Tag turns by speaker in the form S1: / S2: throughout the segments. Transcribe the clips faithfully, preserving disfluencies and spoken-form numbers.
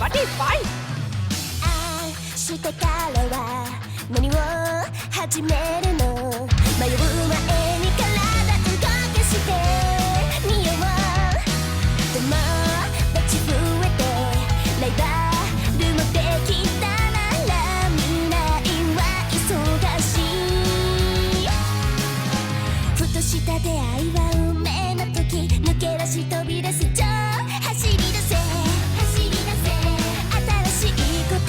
S1: บัดดี้ไฟ
S2: 明日からは何を始めるの迷う前に体動かしてみよう友達増えてライバルもできたなら未来は忙しいふとした出会いは運命の時抜け出し飛び出す情走り出せ走り出せ新しいこと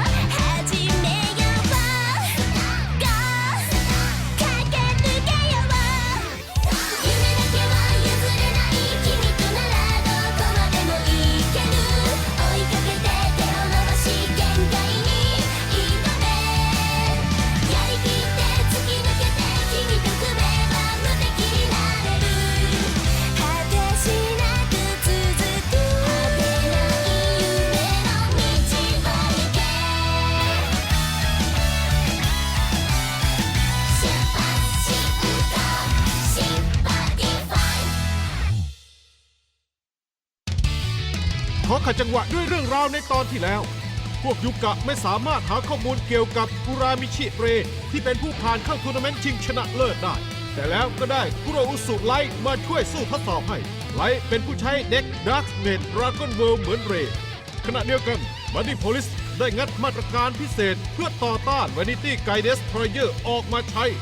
S3: ขอขัดจังหวะด้วยเรื่องราวในตอนที่แล้วพวกยุกะไม่สามารถหาข้อมูลเกี่ยวกับอุรามิชิเรที่เป็นผู้ผ่านเข้าทัวร์นาเมนต์ชิงชนะเลิศได้แต่แล้วก็ได้คุโรอุสุไลท์มาช่วยสู้ทดสอบให้ไลท์เป็นผู้ใช้เด็กดาร์กเนตดราก้อนเวิลด์เหมือนเรขณะเดียวกันบัดดี้โพลิสได้งัดมาตรการพิเศษเพื่อต่อต้าน Vanity Guy Destroyer ออกมาใช้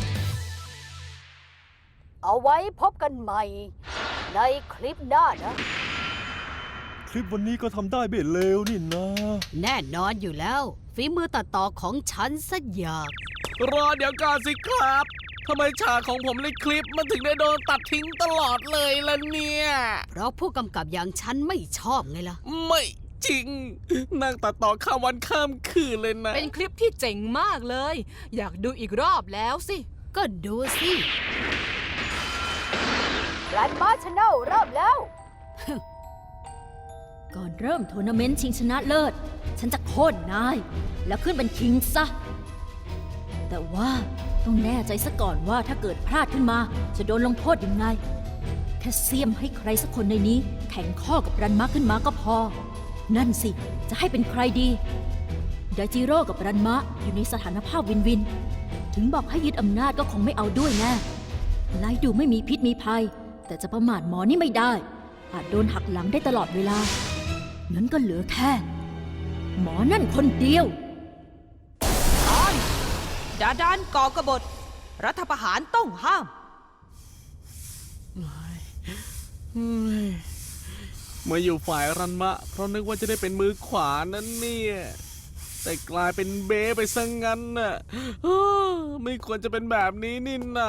S1: เอาไว้พบกันใหม่ในคลิปหน้านะ
S4: คลิปวันนี้ก็ทำได้ไม่เลวนี่นะ
S1: แน่นอนอยู่แล้วฝีมือตัดต่อของฉันสักอย่าง
S5: รอเดี๋ยวก่อนสิครับทำไมฉากของผมในคลิปมันถึงได้โดนตัดทิ้งตลอดเลยล่ะเนี่ย
S1: เพราะผู้กำกับอย่างฉันไม่ชอบไงล่ะ
S5: ไม่จริงนั่งตัดต่อข้ามวันข้ามคืนเลยนะ
S6: เป็นคลิปที่เจ๋งมากเลยอยากดูอีกรอบแล้วสิ
S1: ก็ดูสิรันมาชแนลเริ่มแล้ว
S7: ก่อนเริ่มทัวร์นาเมนต์ชิงชนะเลิศฉันจะโค่นนายแล้วขึ้นเป็นคิงซะแต่ว่าต้องแน่ใจซะก่อนว่าถ้าเกิดพลาดขึ้นมาจะโดนลงโทษยังไงแค่เสียมให้ใครสักคนในนี้แข่งข้อกับรันมะขึ้นมาก็พอนั่นสิจะให้เป็นใครดีไดจิโร่กับรันมะอยู่ในสถานภาพวินวินถึงบอกให้ยึดอำนาจก็คงไม่เอาด้วยแน่ไลท์ดูไม่มีพิษมีภัยแต่จะประมาทหมอนี่ไม่ได้อาจโดนหักหลังได้ตลอดเวลางั้นก็เหลือแค่หมอนั่นคนเดียว
S6: ตอนดาดานก่อกบฏรัฐประหารต้องห้าม
S5: มาอยู่ฝ่ายรันมะเพราะนึกว่าจะได้เป็นมือขวานั้นเนี่ยแต่กลายเป็นเบ้ไปซะงั้นน่ะไม่ควรจะเป็นแบบนี้นี่นา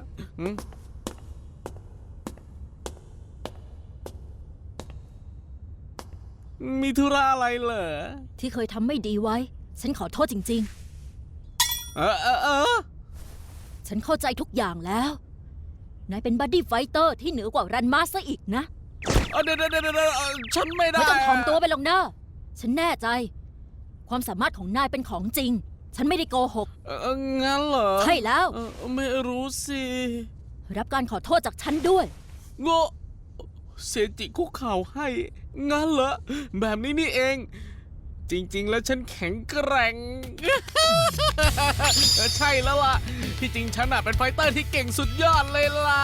S5: มีธุระอะไรเหรอ
S7: ที่เคยทำไม่ดีไว้ฉันขอโทษจริง
S5: ๆเออเออเออ
S7: ฉันเข้าใจทุกอย่างแล้วนายเป็นบัดดี้ไฟเตอร์ที่เหนือกว่ารันมาซะอีกนะ
S5: เดี๋ยวเดี๋ยวเดี๋ยวฉันไม่ได้
S7: ไม่ต้องถ่อมตัวไปหรอกนะฉันแน่ใจความสามารถของนายเป็นของจริงฉันไม่ได้โกหก
S5: เอองั้นเหรอ
S7: ใช่แล้ว
S5: ไม่รู้สิ
S7: รับการขอโทษจากฉันด้วย
S5: โง่เซจิคุกเข่าให้งั้นเหรอแบบนี้นี่เองจริงๆแล้วฉันแข็งแกร่งใช่แล้วล่ะที่จริงฉันเป็นไฟเตอร์ที่เก่งสุดยอดเลยล่ะ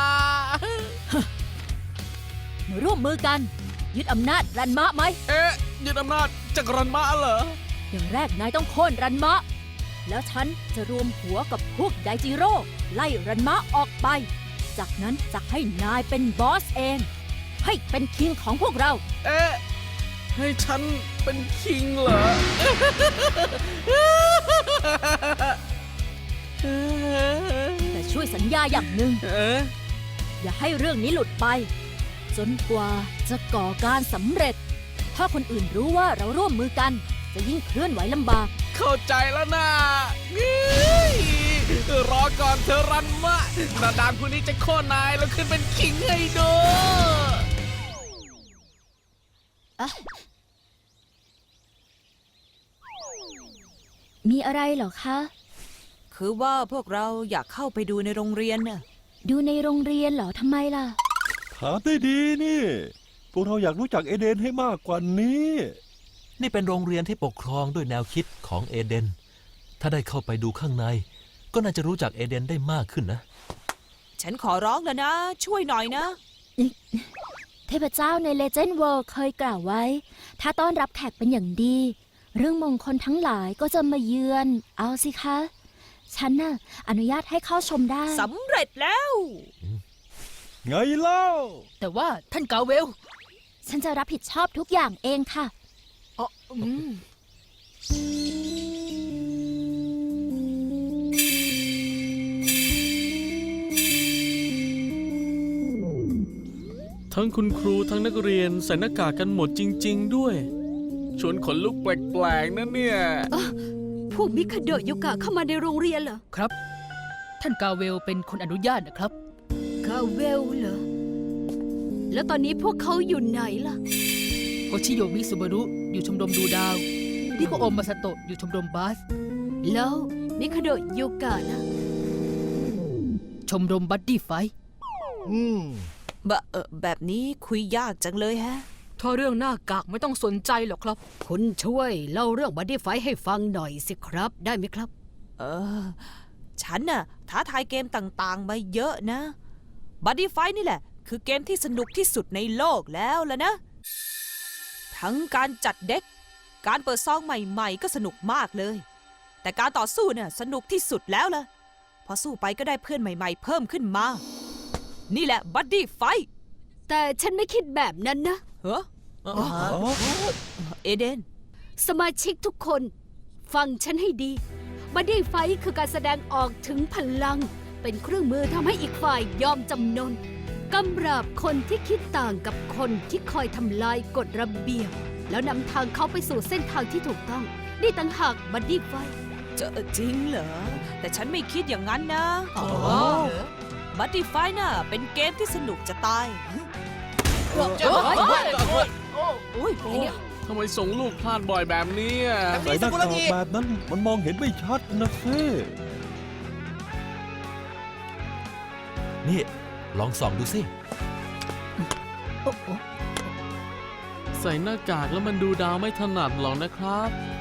S7: มาร่วมมือกันยึดอำนาจรันมะไหม
S5: เอ๊ะยึดอำนาจจากรันมะเหรอ
S7: อย่างแรกนายต้องโค่นรันมะแล้วฉันจะรวมหัวกับพวกไดจิโร่ไล่รันมะออกไปจากนั้นจะให้นายเป็นบอสเองให้เป็นคิงของพวกเรา
S5: เอ๊ะให้ฉันเป็นคิงเหรอ
S7: แต่ช่วยสัญญาอย่างหนึ่งอย่าให้เรื่องนี้หลุดไปจนกว่าจะก่อการสำเร็จถ้าคนอื่นรู้ว่าเราร่วมมือกันจะยิ่งเคลื่อนไหวลำบาก
S5: เข้าใจแล้วนะรอก่อนเธอรันมะนาดามคนนี้จะโค่นนายแล้วขึ้นเป็นคิงให้ดู
S7: มีอะไรเหรอคะ
S6: คือว่าพวกเราอยากเข้าไปดูในโรงเรียนน่ะ
S7: ดูในโรงเรียนเหรอทำไมล่ะ
S4: ถามได้ดีนี่พวกเราอยากรู้จักเอเดนให้มากกว่านี้
S8: นี่เป็นโรงเรียนที่ปกครองด้วยแนวคิดของเอเดน ถ้าได้เข้าไปดูข้างใน ก็น่าจะรู้จักเอเดนได้มากขึ้นนะ
S6: ฉันขอร้องแล้วนะ ช่วยหน่อยนะ
S7: เทพเจ้าใน Legend World เคยกล่าวไว้ ถ้าต้อนรับแขกเป็นอย่างดี เรื่องมงคลทั้งหลายก็จะมาเยือน เอาสิคะ ฉันน่ะอนุญาตให้เข้าชมได้
S6: สำเร็จแล้ว
S4: ไงเล่า
S9: แต่ว่าท่านกาเวล
S7: ฉันจะรับผิดชอบทุกอย่างเองค่ะ
S9: อ๋ออืม
S5: ทั้งคุณครูทั้งนักเรียนใส่หน้ากากกันหมดจริง ๆ ด้วย ชวนขนลุกแปลกๆนะเนี่ย
S1: พวกมิคาโดะยุกะเข้ามาในโรงเรียนเหรอ
S9: ครับ ท่านกาเวลเป็นคนอนุญาตนะครับ
S1: กาเวลเหรอ แล้วตอนนี้พวกเขาอยู่ไหนล่ะ
S9: โฮชิโยมิสุบารุอยู่ชมรมดูดาวนิโคโอมาซาโตะอยู่ชมรมบาส
S1: แล้วมิคาโดะยุกะนะ
S9: ชมรมบัดดี้ไฟท์
S3: อืม
S6: บะเออแบบนี้คุยยากจังเลยฮะ
S9: ถ้าเรื่องหน้ากากไม่ต้องสนใจหรอกครับ
S1: คุณช่วยเล่าเรื่องบัดดี้ไฟท์ให้ฟังหน่อยสิครับ ได้ไหมครับ
S6: เออ ฉันน่ะท้าทายเกมต่างๆ มาเยอะนะบัดดี้ไฟนี่แหละ คือเกมที่สนุกที่สุดในโลกแล้วล่ะนะ ทั้งการจัดเด็ก การเปิดซองใหม่ๆ ก็สนุกมากเลย แต่การต่อสู้เนี่ยสนุกที่สุดแล้วล่ะ พอสู้ไปก็ได้เพื่อนใหม่ๆ เพิ่มขึ้นมา นี่แหละบัดดี้ไฟ
S1: แต่ฉันไม่คิดแบบนั้นนะ
S6: เฮ้อเอเดน
S1: สมาชิกทุกคน ฟังฉันให้ดีบัดดี้ไฟท์คือการแสดงออกถึงพลัง เป็นเครื่องมือทำให้อีกฝ่ายยอมจำนนกำราบคนที่คิดต่างกับคนที่คอยทำลายกฎระเบียบ แล้วนำทางเขาไปสู่เส้นทางที่ถูกต้อง นี่ต่างหากบัดดี้ไฟท์
S6: จะจริงเหรอ แต่ฉันไม่คิดอย่างนั้นนะบัดดี้ไฟน่ะเป็นเกมที่สนุกจะตาย
S9: โอ้ย
S6: โอ้ยอะไรเนี่ย
S5: ทำไมส่งลูกพลาดบ่อยแบบนี้อะ
S4: ใส่หน้ากากแบบนั้นมันมองเห็นไม่ชัดนะเซ่
S8: นี่ ลองส่องดูสิ
S5: ใส่หน้ากากแล้วมันดูดาวไม่ถนัดหรอกนะครับ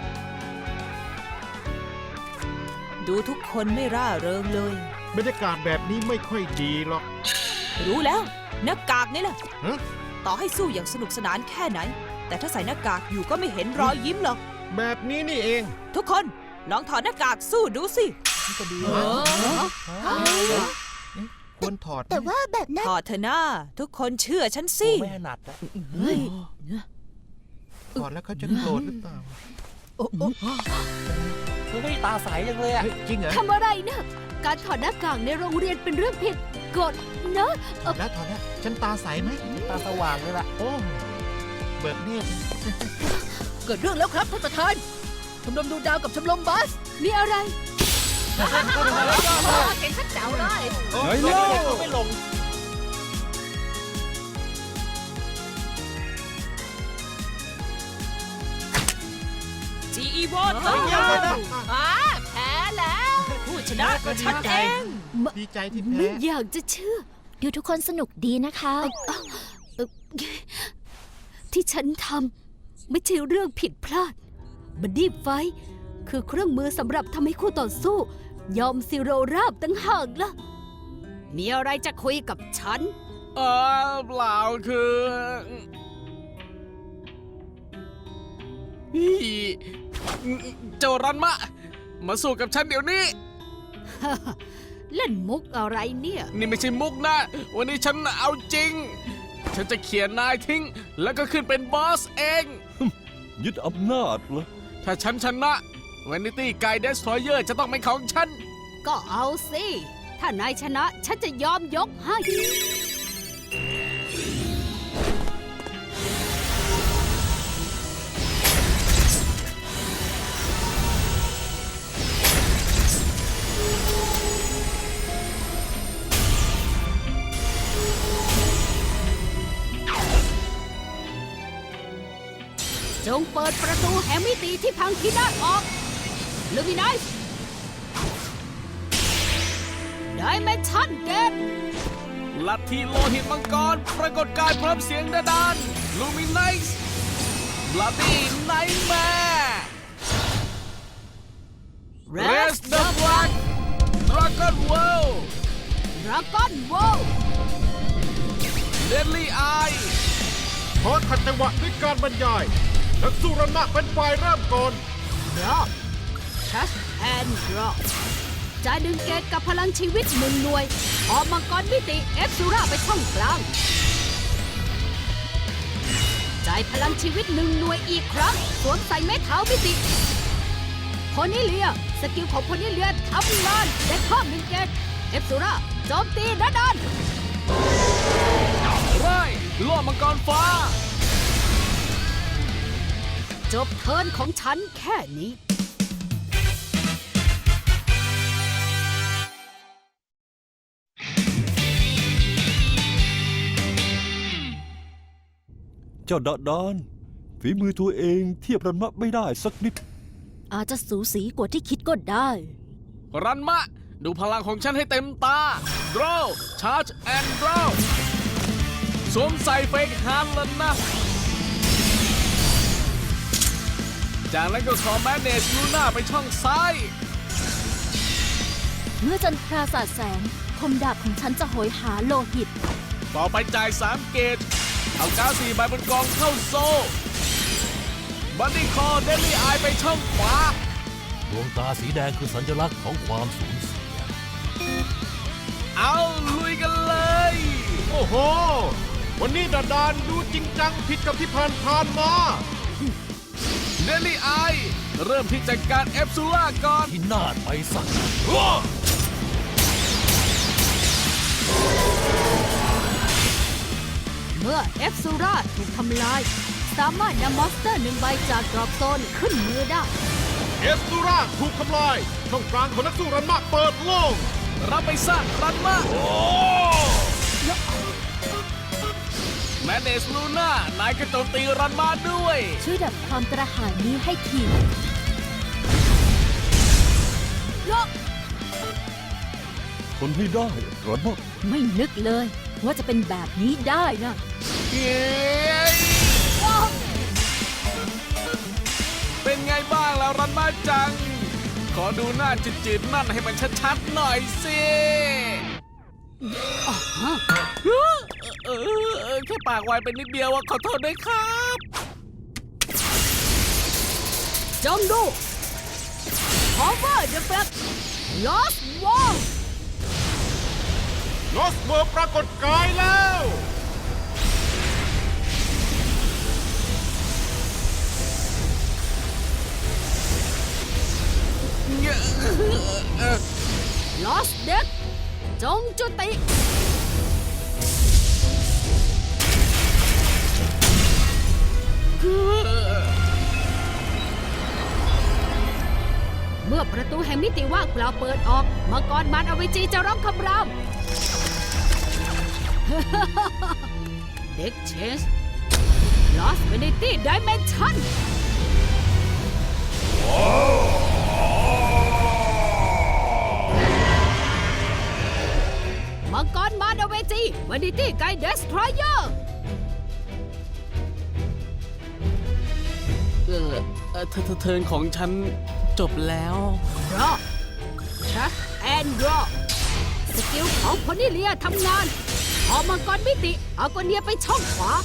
S6: ดูทุกคนไม่ร่าเริงเลย
S3: บรรยากาศแบบนี้ไม่ค่อยดีหรอก
S6: รู้แล้วหน้ากากนี่แหละ
S3: ฮะ
S6: ต่อให้สู้อย่างสนุกสนานแค่ไหน แต่ถ้าใส่หน้ากากอยู่ก็ไม่เห็นรอยยิ้มหรอก
S3: แบบนี้นี่เอง
S6: ทุกคนลองถอดหน้ากากสู้ดูสิ
S3: ควรถอด
S2: แต่ว่าแบบนั้น
S6: ถอดเถอะนะทุกคนเชื่อฉันสิ
S8: ไม่ถนัดนะ
S6: เฮ้ย
S3: ถอดแล้วเขาจะโกรธหรือเปล่า
S8: ไม่ตาใสยังเลยอะ
S3: เฮ้ยจริงเหรอ
S1: ทำอะไรนะ การถอดหน้ากากในโรงเรียนเป็นเรื่องผิดกฎนะเอ่อ
S3: แล้วถอดแล้วฉันตาใสไหม
S8: ตาสว่างเลยล่ะ
S3: โอ้เบิกเนตร
S9: เกิดเรื่องแล้วครับท่านประธาน ชมรมดูดาวกับชมรมบาส
S1: มีอะไร
S9: เห็นชัดเจ๋วเลย
S4: ไงเล่า
S8: ไม่ลง
S6: จีอีวอนเถอะ
S9: อ่าแพ้แล้ว
S6: ผู้ชนะก็ฉันเอง
S3: ดีใจที่
S1: ไม่
S3: แพ้
S1: อยากจะเชื่อ
S7: ดูทุกคนสนุกดีนะคะ
S1: เอ่อที่ฉันทำไม่ใช่เรื่องผิดพลาดบัดดี้ไฟท์คือเครื่องมือสำหรับทำให้คู่ต่อสู้ ยอมซิโรราบตั้งหากล่ะ มีอะไรจะคุยกับฉัน
S5: เออเปล่าคืออีเจ้ารันมะ มาสู้กับฉันเดี๋ยวนี้
S1: เล่นมุกอะไรเนี่ย
S5: นี่ไม่ใช่มุกนะ วันนี้ฉันเอาจริง ฉันจะเขียนนายทิ้ง แล้วก็ขึ้นเป็นบอสเอง
S4: ยึดอำนาจเหรอ
S5: ถ้าฉันชนะ Vanity Guy Destroyer จะต้องเป็นของฉัน
S1: ก็เอาสิ ถ้านายชนะฉันจะยอมยกให้ จงเปิดประตูแห่งมิติที่พังพินาศออกลูมินัสดิเมนชั่นเกต
S5: ลัทธิโลหิตมังกร ปรากฏกายพร้อมเสียงดาดานลูมินไนส์ Bloody Nightmare Raise the Blood Dragon World
S1: ดราก้อนโวล
S5: Deadly Eye
S3: ขอขัดจังหวะด้วยการบรรยาย นักสู้รันมะเป็นฝ่ายเริ่มก่อน
S1: ดรอปทัชแอนด์ดรอปจ่ายหนึ่งเกตกับพลังชีวิตหนึ่งหน่วยออกมังกรมิติเอฟซูราไปช่องกลางจ่ายพลังชีวิตหนึ่งหน่วยอีกครั้งสวมใส่เม็ดเท้ามิติโพนิเลียสกิลของโพนิเลียทำงานได้เพิ่มหนึ่งเกตเอฟซูราโจมตีด้านด้าน
S5: ไร่ล่อมังกรฟ้า
S1: จบเทิร์นของฉันแค่นี้
S4: เจ้าดาดาน ฝีมือตัวเองเทียบรันมะไม่ได้สักนิด
S7: อาจจะสูสีกว่าที่คิดก็ได้
S5: รันมะ ดูพลังของฉันให้เต็มตา Draw Charge and Draw สวมใส่เฟกฮันแล้วนะ จากนั้นก็ขอแมนเนจลูน่าไปช่องซ้าย
S7: เมื่อจันทราสาดแสง คมดาบของฉันจะโหยหาโลหิต
S5: ต่อไปจ่ายสามเกต เอาก้าสี่ใบบนกองเข้าโซ่บันดี้คอเดลี่อายไปช่องขวา
S8: ดวงตาสีแดงคือสัญลักษณ์ของความสูญเสีย
S5: เอาลุยกันเลย
S3: โอ้โห วันนี้ดาดานดูจริงจังผิดกับที่ผ่านผ่านๆมา
S5: เดลี่อายเริ่มที่จัดการเอฟซูล่าก่อน
S8: ที่นาดไปสัก
S1: เมื่อเอฟซูราถูกทำลาย สามารถนำมอนสเตอร์หนึ่งใบจากดรอปโซนขึ้นมือได้
S3: เอสตูราถูกทำลาย ช่องกลางของนักสู้รันมะเปิดโล่ง
S5: รับไปซะรันมาแมนเนสลูน่านายก็โจมตีรันมาด้วย
S7: ช่วยดับความกระหายนี้ให้ที
S4: ทนให้ได้รันมะ
S7: ไม่นึกเลยว่าจะเป็นแบบนี้ได้นะ
S5: เย้เป็นไงบ้างแล้วรันมาจัง ขอดูหน้าจืดๆนั่นให้มันชัดๆหน่อยสิเออเออแค่ปากไวเป็นนิดเดียวอะขอโทษด้วยครับ
S1: จงดู Cover the Fact Lost Wall
S3: ลอสเวอร์ปรากฏกายแล้ว
S1: Lost Deck จงจุติ เมื่อประตูแห่งมิติว่างเปล่าเปิดออกมังกรมันอเวจีจะร้องคำราม เด็กเชส Lost Infinity Dimension มังกรมันอเวจีวันดิตี้ไกด์เดสทรอยเออร์
S5: เออเออเธอเทิร์นของฉันจบแล้ว
S1: Draw Trust and Draw สกิลของพนิเลียทำงานพอมังกรมิติเอากเนียไปช่องขวา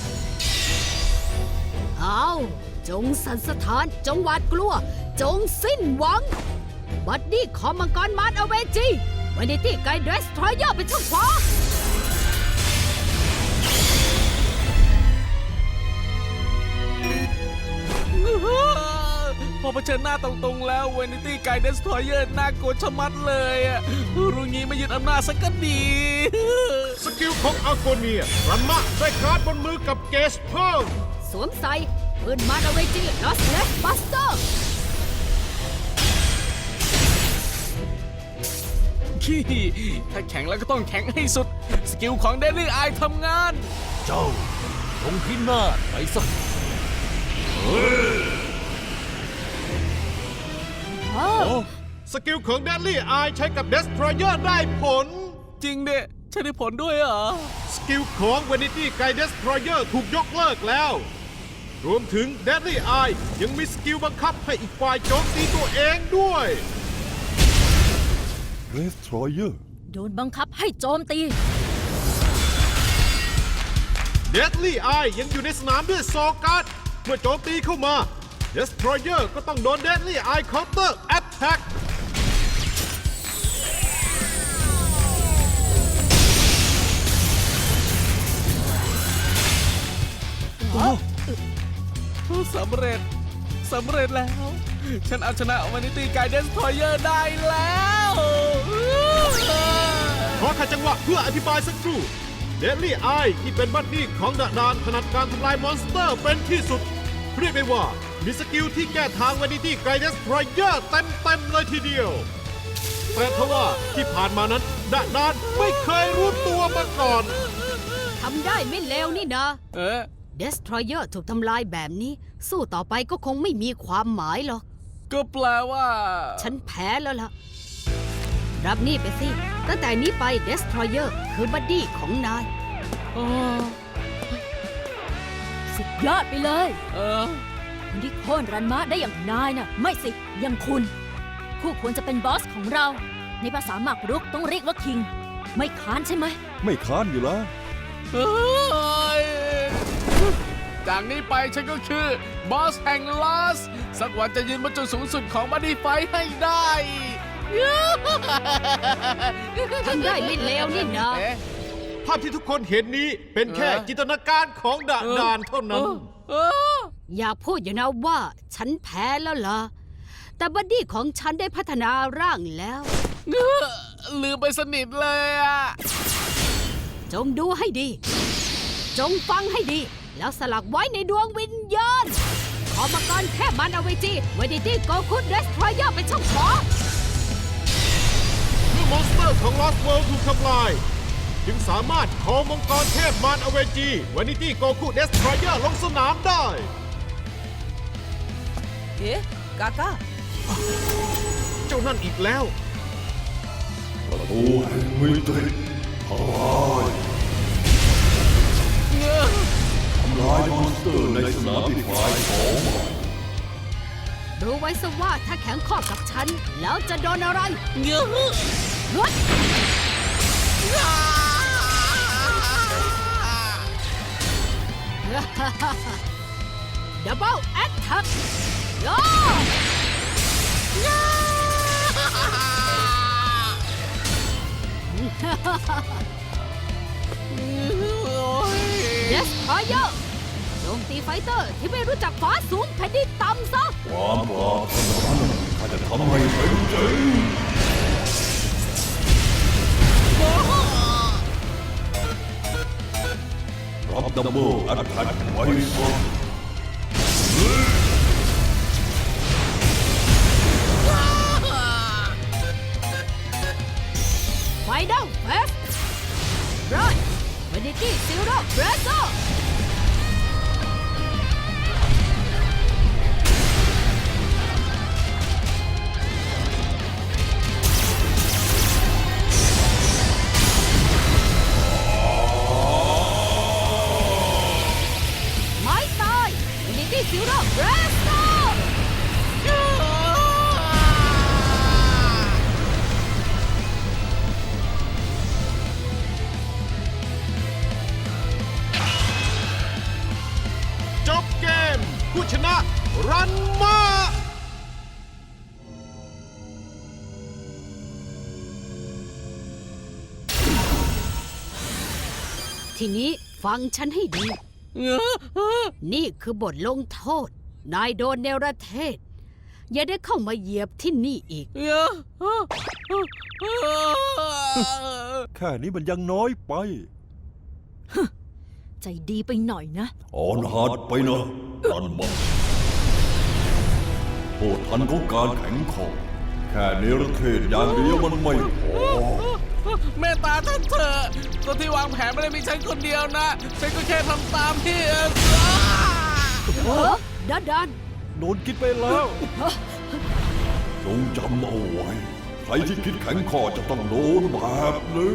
S1: เอาจงสันสถานจงหวาดกลัว จงสิ้นหวัง บัดดี้ของมังกรมารอเวจีวันนี้ที่ไกด์เดสทรอยเออร์ไปช่องขวา
S5: พอเผชิญหน้าตรงๆแล้วเวนิตี้ไกด์เดสทรอยเออร์น่ากลัวชะมัดเลยอะรู้งี้ไม่ยึดอำนาจสักก็ดี
S3: สกิลของอาโกเนีย รันมะได้การ์ดบนมือกับเกสเพิ่ม
S1: สวมใส่ปืนมารอเวจีลอสเลสบัสเตอร์
S5: ขี้ถ้าแข็งแล้วก็ต้องแข็งให้สุด สกิลของเดลี่อายทำงาน
S8: เจ้าลงที่นาดไปสัก
S3: สกิลของแดนลี่อายใช้กับเดสทรอยเออร์ได้ผล
S5: จริงเด้ใช่ได้ผลด้วยเหรอ
S3: สกิลของเวนิตี้ไกด์เดสทรอยเออร์ถูกยกเลิกแล้วรวมถึง Deadly Eye ยังมีสกิลบังคับให้อีกฝ่ายโจมตีตัวเองด้วย
S4: Destroyer
S7: โดนบังคับให้โจมตี
S3: Deadly Eye ยังอยู่ในสนามด้วยโซการ์ดเมื่อโจมตีเข้ามา Destroyer ก็ต้องโดน Deadly Eye Counter Attack
S5: สำเร็จ สำเร็จแล้ว ฉันเอาชนะวานิตี้ไกด์เดนสทรอยเออร์ได้แล้ว
S3: ขอขัดจังหวะเพื่ออธิบายสักครู่ Deadly Eye ที่เป็นบัดดี้ของดาดานถนัดการทำลายมอนสเตอร์เป็นที่สุด เรียกได้ว่ามีสกิลที่แก้ทางวานิตี้ไกด์เดนสทรอยเออร์เต็มๆเลยทีเดียว แต่ทว่าที่ผ่านมานั้นดาดานไม่เคยรู้ตัวมาก่อน
S1: ทำได้ไม่เลวนี่นะ
S5: เออ
S1: Destroyer ถูกทำลายแบบนี้ สู้ต่อไปก็คงไม่มีความหมายหรอก
S5: ก็แปลว่า
S1: ฉันแพ้แล้วล่ะ รับนี่ไปสิ ตั้งแต่นี้ไป Destroyer คือบัดดี้ของนาย
S5: อ๋อ
S7: สุดยอดไปเลย
S5: เออ
S7: คนที่โค่นรันมะได้อย่างนายน่ะ ไม่สิอย่างคุณ คู่ควรจะเป็นบอสของเรา ในภาษาหมากรุกต้องเรียกว่าคิง ไม่ค้านใช่ไหม
S4: ไม่ค้านอยู่แล้ว
S5: เฮ้ยจากนี้ไปฉันก็คือบอสแห่งลอส สักวันจะยืนบนจุดสูงสุดของบัดดี้ไฟท์ให้ได้
S1: ทำได้ไม่เลวนี่นะ
S5: เอ๊ะ
S3: ภาพที่ทุกคนเห็นนี้เป็นแค่
S5: เออ
S3: จินตนาการของดาดานเท่านั้น
S5: เออ
S1: อย่าพูดอย่างนะว่าฉันแพ้แล้วล่ะ แต่บัดดี้ของฉันได้พัฒนาร่างแล้ว
S5: เออลืมไปสนิทเลยอ่ะ
S1: จงดูให้ดี จงฟังให้ดี แล้วสลักไว้ในดวงวิญญาณ ขอมาก่อนแค่มันเอาไว้จีวานิตี้โกคุดเดสทรอยเออร์เป็นช่องขอ
S3: เมื่อมอนสเตอร์ของ Lost World ถูกทำลาย จึงสามารถขอมังกรเทพมารอเวจีวานิตี้โกคุเดสทรอยเออร์ลงสนามได้
S6: เอ๊ะ กาก้า
S3: เจ้านั่นอีกแล้ว
S4: ประตูแห่งมิติทลายทำลายมอนสเตอร์ในสนามที่ฝ่ายของมัน
S1: รู้ไว้ซะว่าถ้าแข็งข้อกับฉัน แล้วจะโดนอะไร
S5: เงื้อ
S1: รุด ดับเบิลแอคแท็กโยเดสทรอยเออร์โจมตีไฟเตอร์ที่ไม่รู้จักฟ้าสูงแผ่นดินต่ำซะ
S4: ความปรารถนาข้าจะทำให้เป็นจริงรับดับเบิลแอตแทกไว้ซะ
S1: ไฟนอลเฟสไรวานิตี้ซิลโร่เบรโซไม้ตายวานิตี้ซิลโร่เบรโซ
S3: จบเกม ผู้ชนะรันมา
S1: ทีนี้ฟังฉันให้ดี
S5: เงื้อ
S1: นี่คือบทลงโทษ นายโดนเนรเทศ อย่าได้เข้ามาเหยียบที่นี่อีก
S5: เงื้อ
S4: แค่นี้มันยังน้อยไป
S7: ใจดีไปหน่อยนะ
S4: อ่อนหัดไปนะรันมาโทษทันของการแข็งคอแค่เนรเทศอย่างเดียวมันไม่พอ
S5: แม่ตาท่านเถอะคนที่วางแผนไม่ได้มีฉันคนเดียวนะ ฉันก็แค่ทำตามที่เออ
S1: เออดันดัน
S4: โดนกินไปแล้วจงจำเอาไว้ ใครที่คิดแข็งคอจะต้องโดนแบบนี้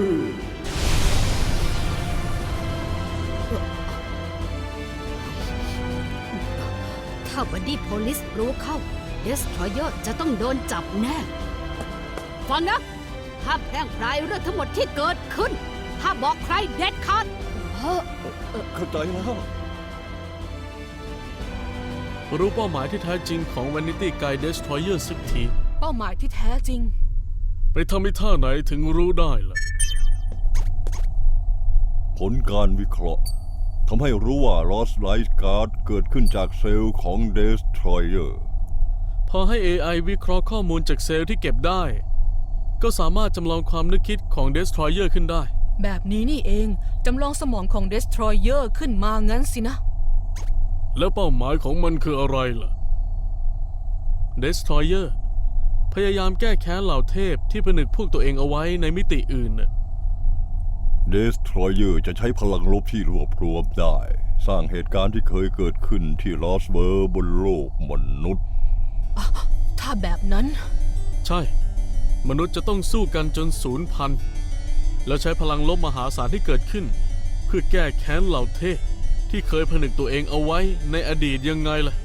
S1: เถ้าบัดดี้โพลิสรู้เข้าเดสทรอยเยอร์จะต้องโดนจับแน่ ฟังนะห้ามแพร่งพรายเรื่องทั้งหมดที่เกิดขึ้นห้ามบอกใครเด็ดขาด
S4: เข้าใจแล้ว
S5: รู้เป้าหมายที่แท้จริงของ Vanity Guy Destroyer สักที
S9: เป้าหมายที่แท้จริง
S5: ไปทำอีท่าไหนถึงรู้ได้ล่ะ
S4: ผลการวิเคราะห์ทำให้รู้ว่า Lost Light Guard เกิดขึ้นจากเซลล์ของ Destroyer
S5: พอให้ เอ ไอ วิเคราะห์ข้อมูลจากเซลล์ที่เก็บได้ ก็สามารถจำลองความนึกคิดของ Destroyer ขึ้นได้
S9: แบบนี้นี่เองจำลองสมองของ Destroyer ขึ้นมางั้นสินะ
S5: แล้วเป้าหมายของมันคืออะไรล่ะ Destroyer พยายามแก้แค้นเหล่าเทพที่ผนึกพวกตัวเองเอาไว้ในมิติอื่นน่ะ
S4: Destroyer จะใช้พลังลบที่รวบรวมได้ สร้างเหตุการณ์ที่เคยเกิดขึ้นที่ Lost World บนโลกมนุษย์
S9: ถ้าแบบนั้น
S5: ใช่ มนุษย์จะต้องสู้กันจนสูญพันธุ์แล้วใช้พลังลบมหาศาลที่เกิดขึ้น เพื่อแก้แค้นเหล่าเทพที่เคยผนึกตัวเองเอาไว้ในอดีตยังไงล่ะ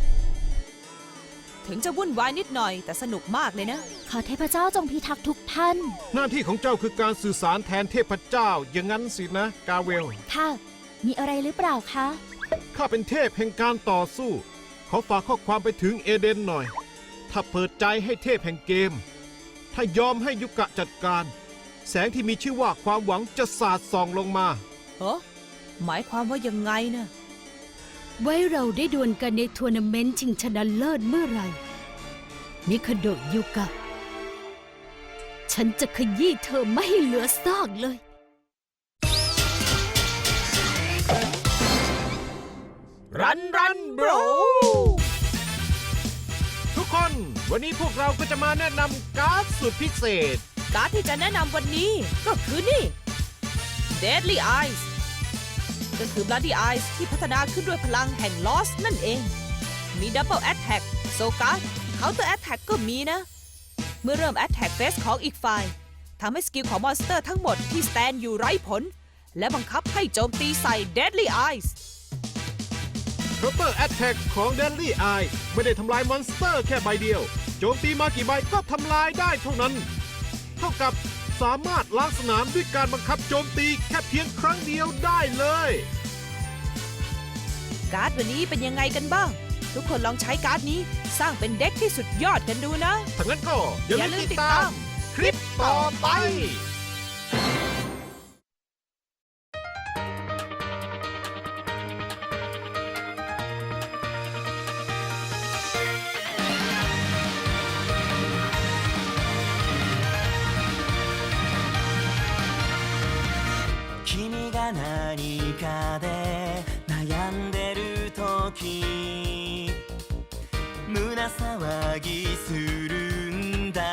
S6: ถึงจะวุ่นวายนิดหน่อยแต่สนุกมากเลยนะ
S7: ขอเทพเจ้าจงพิทักษ์ทุกท่าน
S3: หน้าที่ของเจ้าคือการสื่อสารแทนเทพเจ้าอย่างนั้นสินะกาเวล
S7: ค่ะ มีอะไรหรือเปล่าคะ
S3: ข้าเป็นเทพแห่งการต่อสู้ ขอฝากข้อความไปถึงเอเดนหน่อย ถ้าเปิดใจให้เทพแห่งเกม ถ้ายอมให้ยุกะจัดการ แสงที่มีชื่อว่าความหวังจะสาดส่องลงมา
S6: เฮ้หมายความว่ายังไงนะ
S1: ไว้เราได้ดวลกันในทัวร์นาเมนต์ชิงชนะเลิศเมื่อไหร่ มิคาโดะยุกะ ฉันจะขยี้เธอไม่ให้เหลือซากเลย
S6: รันรันบร
S3: ทุกคน วันนี้พวกเราก็จะมาแนะนำการ์ดสุดพิเศษ
S6: การ์ดที่จะแนะนำวันนี้ก็คือนี่ Deadly Eyes ก็คือ Bloody Eyes ที่พัฒนาขึ้นด้วยพลังแห่ง Lost นั่นเอง มี Double Attack โซการ์ด Counter Attack ก็มีนะ เมื่อเริ่ม Attack Phase ของอีกฝ่ายทำให้สกิลของมอนสเตอร์ทั้งหมดที่สแตนอยู่ไร้ผล และบังคับให้โจมตีใส่ Deadly Eyes
S3: Counter Attack ของ Deadly Eye ไม่ได้ทำลายมอนสเตอร์แค่ใบเดียว โจมตีมากี่ใบก็ทำลายได้เท่านั้น เท่ากับสามารถล้างสนามด้วยการบังคับโจมตีแค่เพียงครั้งเดียวได้เลย
S6: การ์ดวันนี้เป็นยังไงกันบ้าง ทุกคนลองใช้การ์ดนี้สร้างเป็นเด็กที่สุดยอดกันดูนะ
S3: ถ้างั้นก็อย่า
S6: อย่า
S3: ลื
S6: ลื
S3: ม
S6: ม
S3: ติด
S6: ติด
S3: ตา
S6: ตาม ม
S3: คลิปต่อไป
S10: 君が何かで悩んでる時胸騒ぎするんだ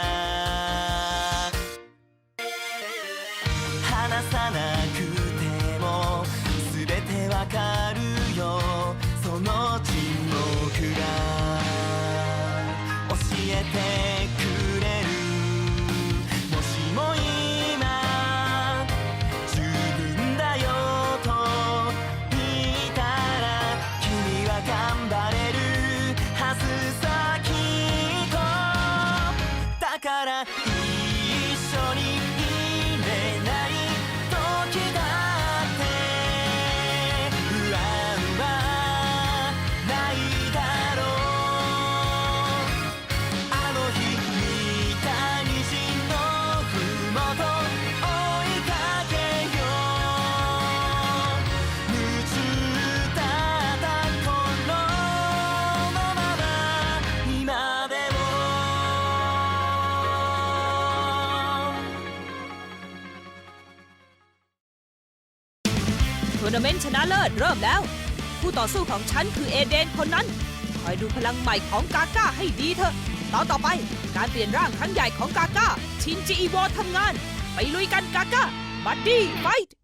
S10: 話さなくても全てわかるよその沈黙が教えてくれるもしも今十分だよと言ったら君は頑張れるはずさきっとだから一緒にいれない時だって不安はないだろうあの日見た虹のふもと追いかけよう夢中だった頃のまま今でも
S6: ทัวร์นาเมนต์ชนะเลิศเริ่มแล้ว ผู้ต่อสู้ของฉันคือเอเดนคนนั้น คอยดูพลังใหม่ของกาก้าให้ดีเถอะตอนต่อไปการเปลี่ยนร่างครั้งใหญ่ของกาก้าชินจิอีโวทำงาน ไปลุยกันกาก้าบัดดี้ไฟท์